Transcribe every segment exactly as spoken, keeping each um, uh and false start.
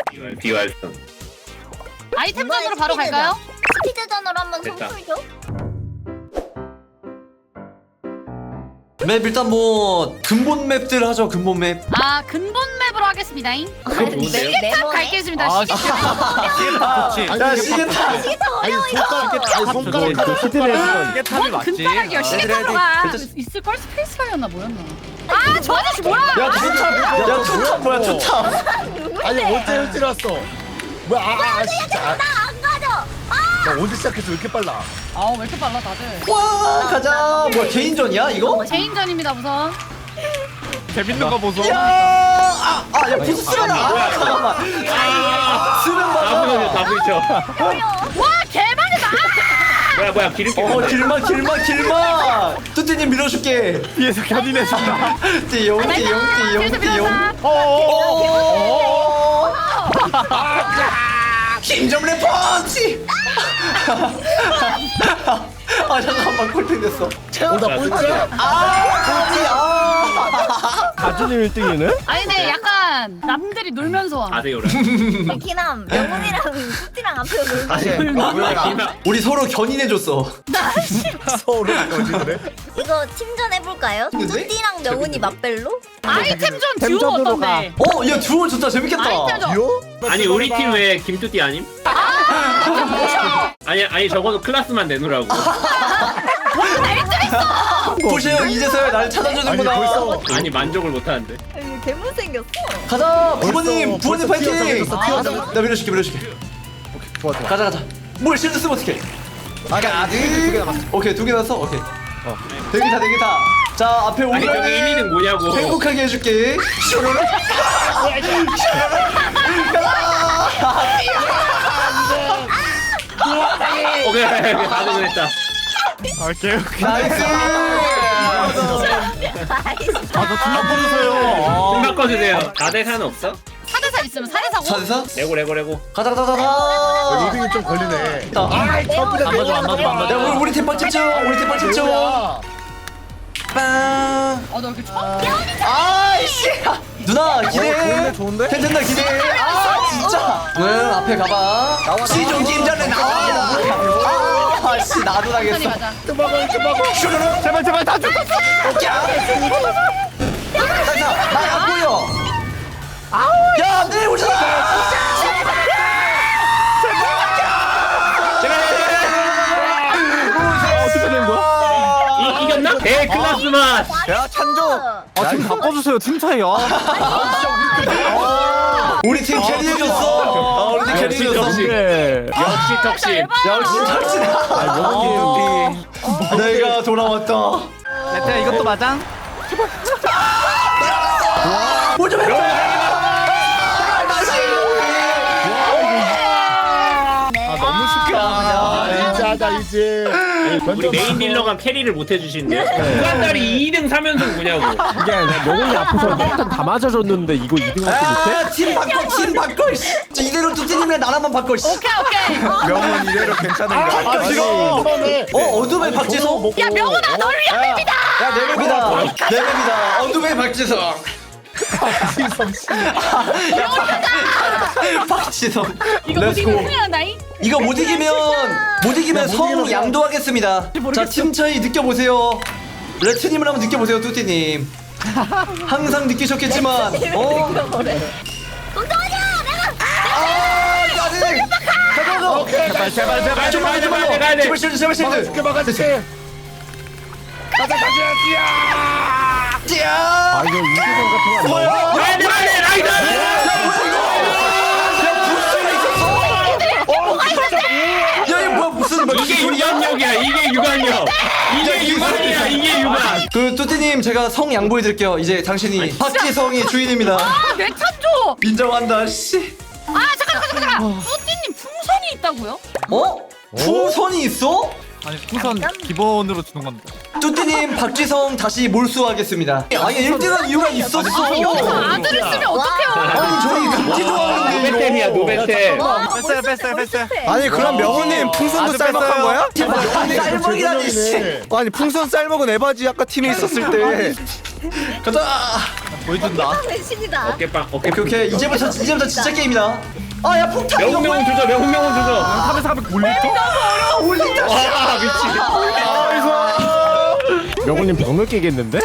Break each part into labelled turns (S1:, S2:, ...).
S1: 비활성.
S2: 아이템전으로 바로 갈까요?
S3: 스피드전으로 한번
S1: 됐다.
S3: 선풀 줘.
S4: 맵 일단 뭐 근본 맵들 하죠. 근본 맵.
S2: 아 근본 맵으로 하겠습니다.
S1: 그거 좋은데요?
S2: 시계탑 갈겠습니다.
S5: 아,
S2: 시계탑.
S5: 시계탑 좋지.
S4: 야 시계탑.
S3: 이게 더
S6: 아니
S3: 어려워 이거.
S6: 손가락 아니 손가락 하나
S5: 시계탑이
S2: 뭔
S5: 맞지.
S2: 근따라기야. 시계탑으로 가. 있을걸? 스페이스바였나 뭐였나? 아 저 아저씨 뭐야?
S4: 야 투탑. 야 투탑 뭐야 투탑.
S6: 아니 언제 일찍 왔어? 뭐야 아, 아 진짜 아,
S3: 나안 가져.
S6: 나 언제 시작했어 왜 이렇게 빨라?
S2: 아왜 이렇게 빨라 다들?
S4: 와 가자. 뭐야 개인전이야 이거?
S2: 제인전입니다 우선.
S5: 재밌는 거 보소.
S4: 아야 부스 쓰면 아 잠깐만. 쓰면
S1: 다
S4: 맞아.
S1: 부딪혀, 다 부딪혀.
S2: 와 개발이다.
S1: 뭐야, 뭐야, 기름기.
S4: 어 길막 길막 길막. 뚜띠님 밀어줄게.
S5: 뒤에서 견인해준다.
S4: 띠용 띠용 띠용 띠용.
S5: 어어어.
S4: 힘좀 내 펀치. 아 잠깐만 콜팽 됐어.
S6: 오나 꼴찌야?
S4: 아 꼴찌 아.
S5: 가준이 일 등이네?
S2: 아니 근데 약간 남들이 놀면서 함.
S1: 아세요라.
S3: 키남 명훈이랑 뚜띠랑 앞에 놀고.
S6: 아니 뭐야
S4: 우리 서로 견인해줬어.
S6: 서로 거지 그래?
S3: 이거 팀전 해볼까요?
S4: 근데?
S3: 뚜띠랑 명훈이 맞벨로?
S2: 아이템전 듀오
S5: 템전으로
S2: 어떤데?
S4: 어, 야 듀오 좋다 재밌겠다.
S2: 아이템전.
S6: 듀오?
S1: 아니, 우리 팀 왜 김뚜띠 아님? 아니, 아니, 적어도 클라스만 내놓으라고.
S4: 보시 형 이제서야 날
S6: 아니
S4: 찾아주는구나.
S6: 벌써
S1: 아니, 만족을 못 하는데.
S3: 괴물 생겼어.
S4: 가자 부모님
S6: 벌써
S4: 부모님 파이팅.
S6: 튀어나왔어, 튀어나왔어.
S4: 나 밀어줄게 밀어줄게.
S6: 좋아 좋아
S4: 가자 가자. 뭘 실드 쓰면 어떡해?
S6: 아니 아니 두개 남았어
S4: 오케이 두 개 났어. 오케이. 되게 다 되게 다. 자 앞에
S1: 아니, 저기 일, 이 등
S4: 오면은
S1: 뭐냐고.
S4: 행복하게 해줄게. 슈르르.
S1: 오케이, 오케이, 다 되겠다.
S5: 아 개웃기.
S4: 나이스.
S5: 아저 존나 부르세요.
S1: 좀 바꿔주세요. 사 대 사는 없어?
S2: 사 대 사 있으면 사 대 사고.
S4: 사대사?
S1: 레고, 레고, 레고.
S4: 가자 가자 가자.
S6: 리딩이 좀 걸리네
S4: 아,
S6: 아이 점프다
S5: 안 맞아, 안 맞아, 안 맞아.
S4: 야 우리 우리 팀빵 집중. 우리 팀빵 집중.
S6: 뭐야
S4: 빵.
S2: 어나 이렇게 처음.
S4: 아이씨. 누나 기대.
S6: 어, 좋은데, 좋은데?
S4: 괜찮다 기대. 아 진짜. 응 앞에 가봐. 시종 김전에 나와. 아씨 나도
S2: 천천히
S4: 나겠어.
S2: 가자.
S6: tumbago tumbago
S4: 슈르르.
S5: 제발 제발 다 죽었어.
S4: 나안 보여. 야 내일 오잖아.
S5: 어떻게 된 거야?
S1: 이, 이겼나? 대 클라스만.
S5: 야 찬조. 아팀 바꿔주세요 팀 차이야.
S4: 우리 팀 캐리해줬어. 아, 우리 팀
S1: 역시
S4: 캐리해줬어.
S1: 덕심.
S5: 네.
S1: 역시 덕심.
S4: 역시 탁진아. 내가 돌아왔다.
S5: 레트야 이것도 맞아?
S4: 뭐좀 해봐.
S5: 아 너무 쉽게 하냐.
S6: 이제 하자 이제
S1: 우리 메인 딜러가 캐리를 못 해주시는데요? 무한다리 이 등 삼 연속 뭐냐고.
S5: 이게 명훈이 앞에서 일단 다 맞아줬는데 이거 이 등 할수 못해?
S4: 아, 팀 바꿔, 팀 바꿔. 씨. 저 이대로 뚜띠님이랑 나라만 바꿔. 씨.
S2: 오케이 오케이.
S6: 명은 이대로 괜찮은가
S4: 아, 싫어. 어, 어둠의 박지성.
S2: 야 명훈아 널 위한 맵이다.
S4: 야, 내 맵이다. 내 맵이다. 어둠의 박지성. 박지성.
S2: 이거 못
S4: 렛츠고.
S2: 이기면 큰일 난다잉.
S4: 이거 못 이기면 못 이기면 성 양도하겠습니다. 자, 팀 차이 느껴보세요. 레트님을 한번 느껴보세요, 뚜띠님. 항상 느끼셨겠지만, 어?
S3: 동동아니야 내가.
S4: 아, 짜증. 가져가죠.
S5: 제발 제발 제발
S4: 좀
S1: 가야 돼,
S4: 좀
S1: 가야 돼, 가야 돼.
S4: 제발 실드, 제발 실드.
S6: 죽게 막아주지 가자 가자
S4: 찌야.
S5: 아 이거 이기성 같은 거 아니야?
S4: 뭐야?
S1: 가야 돼, 가야 돼, 라이더!
S4: 야, 이거 뭐야, 무슨 뭐
S1: 이게 유관력이야, 이게 유관력. 이게 유관이야, 이게 유관.
S4: 그 뚜띠님 제가 성 양보해드릴게요. 이제 당신이 박지성이 주인입니다.
S2: 아내 찬조.
S4: 인정한다. 씨.
S2: 아 잠깐 잠깐 잠깐. 뚜띠님 풍선이 있다고요?
S4: 어? 풍선이 있어?
S5: 아니 풍선 기본으로 주는 건데.
S4: 뚜띠님 박지성 다시 몰수하겠습니다. 아니 일 등한 이유가 있었어.
S2: 여기서 아들을 쓰면 어떡해요?
S4: 아니 저희 금지 좋아하는데
S1: 노베템이야, 노베템.
S5: 뺐어요 뺐어요 뺐어요.
S7: 아니 그럼 명훈님 풍선도
S5: 아주
S7: 쌀먹한
S5: 뺐어요.
S7: 거야?
S4: 쌀먹이라니 씨.
S7: 아니 풍선 쌀먹은 에바지 아까 팀에 있었을 때
S4: 가자.
S5: 보여준다.
S3: 신이다.
S1: 어깨빵,
S4: 오케이
S1: 어깨빵.
S4: 오케이 이제부터 이제부터 진짜 게임이다. 아야 폭탄 이거
S1: 명훈 명훈
S4: 뭐야?
S1: 조져 명훈 명훈 조져.
S6: 삼백 사백 올리죠?
S4: 올린다.
S1: 와 미친.
S5: 명훈님 병 느끼겠는데?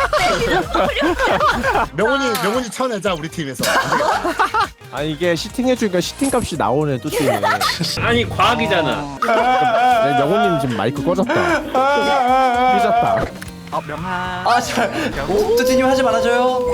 S6: 명훈이 명훈이 쳐내자 우리 팀에서.
S5: 아 이게 시팅해주니까 시팅값이 나오네 뚜띠님.
S1: 아니 과학이잖아.
S5: 네, 명훈님 지금 마이크 꺼졌다. 삐졌다.
S4: 아 잘. 뚜띠님 하지 말아줘요.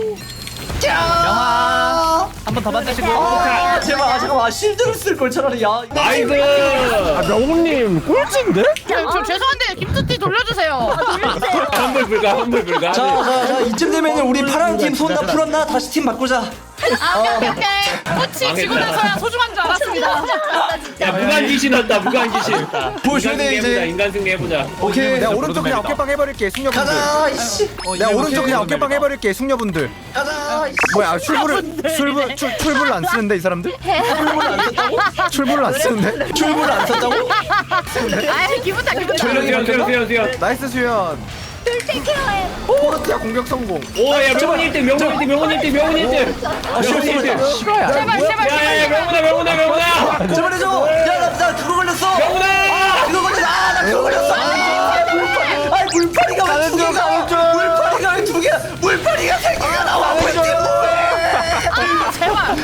S4: 자.
S8: 한 번 더 만드시고.
S4: 아 제발 아 잠깐만 아, 실드를 쓸 걸 차라리 야.
S1: 나이스.
S5: 아 명훈님 꼴찌인데?
S2: 저, 저 죄송한데 김뚜띠 돌려주세요.
S1: 환불 불가 환불 불가.
S4: 자자자 이쯤 되면은 우리 파란 팀 손 다 풀었나? 다시 팀 바꾸자.
S2: 아 오케이 오케이. 꽃이 지고 나서야 소중한 줄 알았습니다.
S1: 야 무관 귀신 왔다 무관 귀신.
S4: 보여줘야 돼, 이제.
S1: 인간 승리 해보자.
S4: 오케이.
S7: 내가 오른쪽 그냥 어깨빵 해버릴게 숙녀분들.
S4: 가자 이씨.
S7: 내가 오른쪽 그냥 어깨빵 해버릴게 숙녀분들.
S4: 가자 이씨.
S7: 뭐야 출구를 출구 출 출구를 안 쓰는데 이 사람들?
S4: 출구를 안 썼다고?
S7: 출구를 안 쓰는데?
S4: 출구를 안 썼다고?
S2: 아 기분다 기분다.
S1: 수연 수연 수연 수연.
S7: 나이스 수연.
S3: 툴 케어해.
S7: 포르티아 공격 성공.
S1: 오야 명훈 일 등 명훈 일 등 명훈 일 등 명훈 일 등.
S4: 아
S1: 명훈 일 등.
S5: 싫어야.
S2: 제발 제발
S1: 야야야
S2: 제발.
S1: 명훈아 명훈아 명훈아.
S4: 제발 해줘. 야나 나 그거 걸렸어.
S1: 명훈아.
S4: 그거 걸렸어. 아나 그거 걸렸어. 아, 물파리. 아니 물파리가 왜 두 개가? 물파리가 왜 두 개야? 물파리가 세 개가 나와. 왜 이게 뭐해?
S2: 아 제발.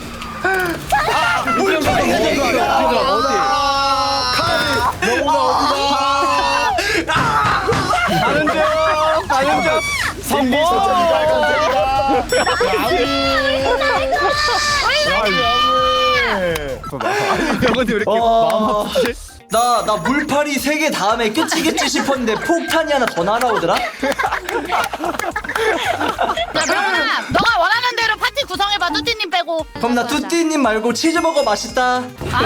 S4: 물파리가 세 개가 나와.
S7: 가는 중 가는 중.
S6: 선비 저쪽이 빨간색이다.
S7: 명언이 왜 이렇게
S4: 어, 나, 나 물파리 세 개 다음에 끝이겠지 싶었는데 폭탄이 하나 더 날아오더라?
S2: 야 명훈아, 너가 원하는 대로 파티 구성해봐. 뚜띠님 빼고.
S4: 그럼 나 뚜띠님 말고 치즈버거 맛있다.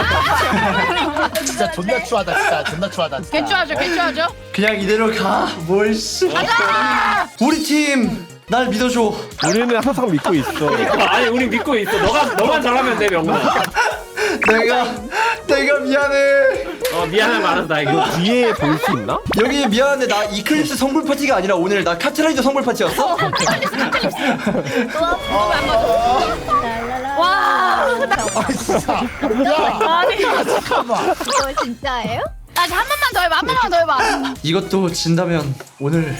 S6: 진짜 존나 추하다 진짜 존나 추하다. 진짜.
S2: 개쭈하죠 개쭈하죠.
S4: 그냥 이대로 가. 뭘 씨.
S2: 가자.
S4: 우리 팀, 날 믿어줘.
S5: 우리는 항상 믿고 있어.
S1: 아니 우리 믿고 있어. 너가 너만 잘하면 돼 명훈아.
S4: 내가, 내가 미안해.
S1: 어 미안해 말한다 이거.
S5: 뒤에 볼 수 있나?
S4: 여기 미안한데 나 이클립스 성불 파티가 아니라 오늘 나 카트라이더 성불 파티였어?
S2: 와.
S6: 아 진짜. 야.
S2: 아니.
S6: 잠깐만.
S3: 이거 진짜예요?
S2: 아한 번만 더 해봐. 한 번만 더 해봐.
S4: 이것도 진다면 오늘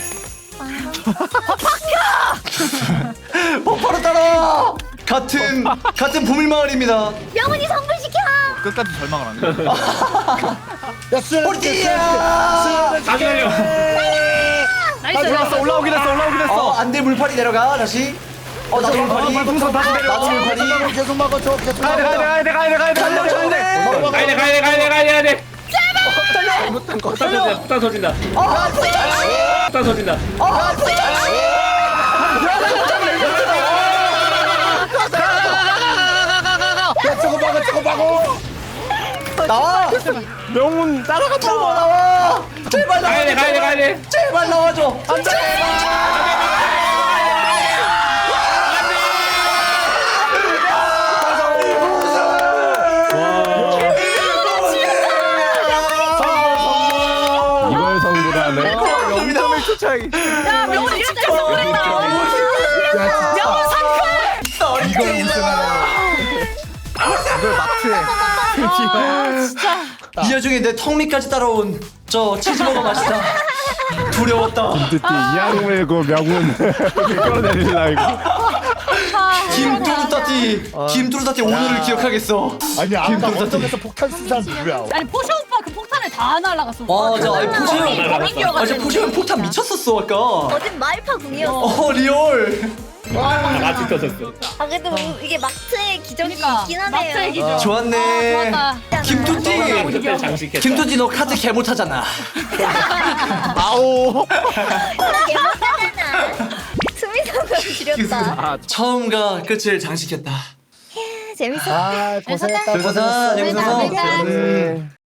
S4: 폭파로 따라! 같은 같은 보물마을입니다.
S3: 명훈이 성불시켜.
S8: 끝까지 절망을 안 해.
S6: 야 수연.
S4: 폴티야!
S1: 다시 날려.
S2: 나이스.
S7: 올라왔어 올라오긴 했어 올라오긴 했어.
S4: 어 안돼 물파리 내려가 다시. 어 나도 물파리.
S7: 풍선 다시 내려.
S4: 나도 물파리.
S6: 계속 막아줘 계속
S7: 가야 돼
S6: 막아줘.
S7: 가야 돼 가야 돼 가야 돼 가야 돼 가야 돼.
S1: 가야 돼 가야 돼 가야 돼 가야 돼.
S7: 잘못된 거.
S1: 폭탄 터진다 폭탄 터진다.
S4: 아
S1: 폭탄 터진다.
S6: 야 저거 막아 저거 막어.
S4: 나와.
S5: 명훈 따라갔다.
S4: 나와 나와. 제발 나와.
S1: 가야 돼 가야 돼 가야 돼.
S4: 제발 나와줘. 안돼.
S5: 이걸 성불하네.
S7: 영점을 추차이.
S2: 야 명훈이 진짜 성공했다. 명훈 상큼.
S6: 이걸 우승하네.
S7: 이걸 마트에.
S2: 아 진짜.
S4: 이 와중에 내 턱밑까지 따라온 저 치즈버거 맛이다. 두려웠다.
S5: 뚜띠 이악 물고 명훈 끌어내리려 이거.
S4: 김뚜루따띠 김뚜루따띠 오늘을 기억하겠어.
S6: 아니 아까
S4: 김도사님.
S6: 원정에서 폭탄 쓴 사람 누구야?
S2: 아니 포쇼 오빠 그 폭탄을 다 날라갔어.
S4: 맞아. 아니 포시형
S1: 날아갔어.
S4: 아 진짜 포시형 폭탄 미쳤었어 아까.
S3: 어젠 마일파 궁이었어.
S4: 어 리얼.
S1: 같이 터졌어.
S3: 아 그래도 이게 마트의 기적이
S2: 그러니까
S3: 있긴 하네요.
S2: 마트의 기적.
S4: 좋았네.
S2: 아, 좋았다.
S4: 김뚜띠
S1: 그때 장식했다.
S4: 김뚜띠 너 카드 개 못하잖아.
S5: 아오.
S3: 개못하잖아. 수미상을 줄였다.
S4: 처음과 끝을 장식했다.
S3: 재밌었어.
S6: 아 고생했다
S4: 고생했어. 재밌었어.
S3: 재밌었어.
S5: 네.